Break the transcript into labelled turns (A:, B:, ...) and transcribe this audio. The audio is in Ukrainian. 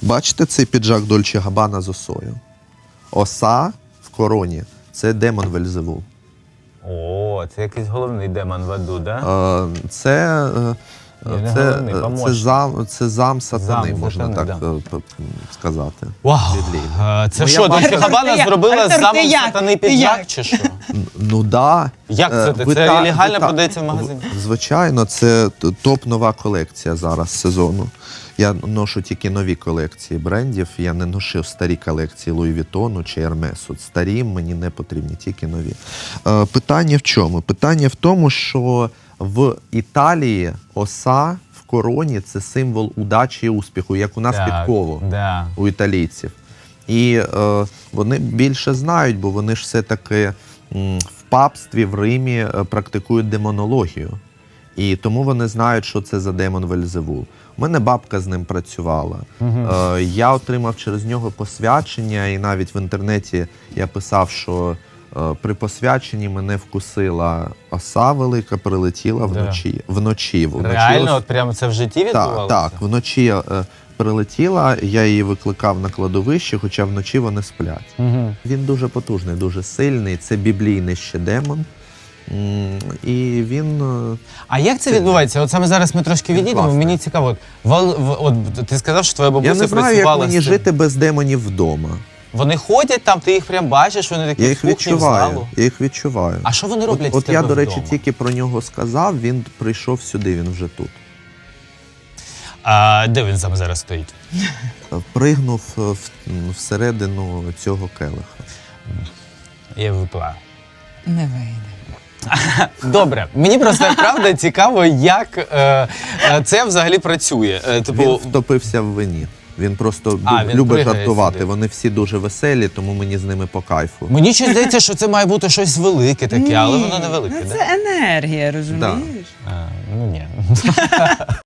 A: Бачите цей піджак Дольче Габбана з осою? Оса в короні – це демон Вельзевул.
B: О, це якийсь головний демон в аду, да?
A: Це зам сатани,
B: Зам
A: можна
B: сатани,
A: так сказати.
B: Вау!
A: Біблійно.
B: Це що, Дольче Габбана зробила з замом сатани піджак, чи що?
A: Ну да.
B: Як це? Це легально продається в магазині?
A: Звичайно, це топ-нова колекція зараз сезону. Я ношу тільки нові колекції брендів, я не носив старі колекції Луї Вітону чи Ермесу. Старі мені не потрібні, тільки нові. Питання в чому? Питання в тому, що в Італії оса в короні – це символ удачі і успіху, як у нас підкову у італійців. І вони більше знають, бо вони ж все-таки в папстві в Римі практикують демонологію. І тому вони знають, що це за демон Вельзевул. У мене бабка з ним працювала. Я отримав через нього посвячення, і навіть в інтернеті я писав, що при посвяченні мене вкусила оса велика, прилетіла вночі.
B: Реально? От прямо це в житті відбувалося?
A: Так, вночі прилетіла, я її викликав на кладовище, хоча вночі вони сплять. Він дуже потужний, дуже сильний, це біблійний ще демон. І він...
B: А як це відбувається? От саме зараз ми трошки відійдемо, мені цікаво. От ти сказав, що твоя бабуся працювала...
A: Я не знаю, як мені жити без демонів вдома.
B: Вони ходять там, ти їх прям бачиш, вони такі в кухні, в залу?
A: Я їх відчуваю.
B: А що вони роблять в тебе
A: вдома? От я, до речі,
B: вдома?
A: тільки про нього сказав, він прийшов сюди, він вже тут.
B: А де він саме зараз стоїть?
A: Пригнув всередину цього келиха.
B: Я випиваю.
C: Не вийде.
B: Добре, мені просто правда цікаво, як це взагалі працює.
A: Він втопився в вині. Він просто любить жартувати. Сюди. Вони всі дуже веселі, тому мені з ними по кайфу.
B: Мені щось здається, що це має бути щось велике таке, але воно не велике.
C: Це енергія, розумієш?
B: Ну ні.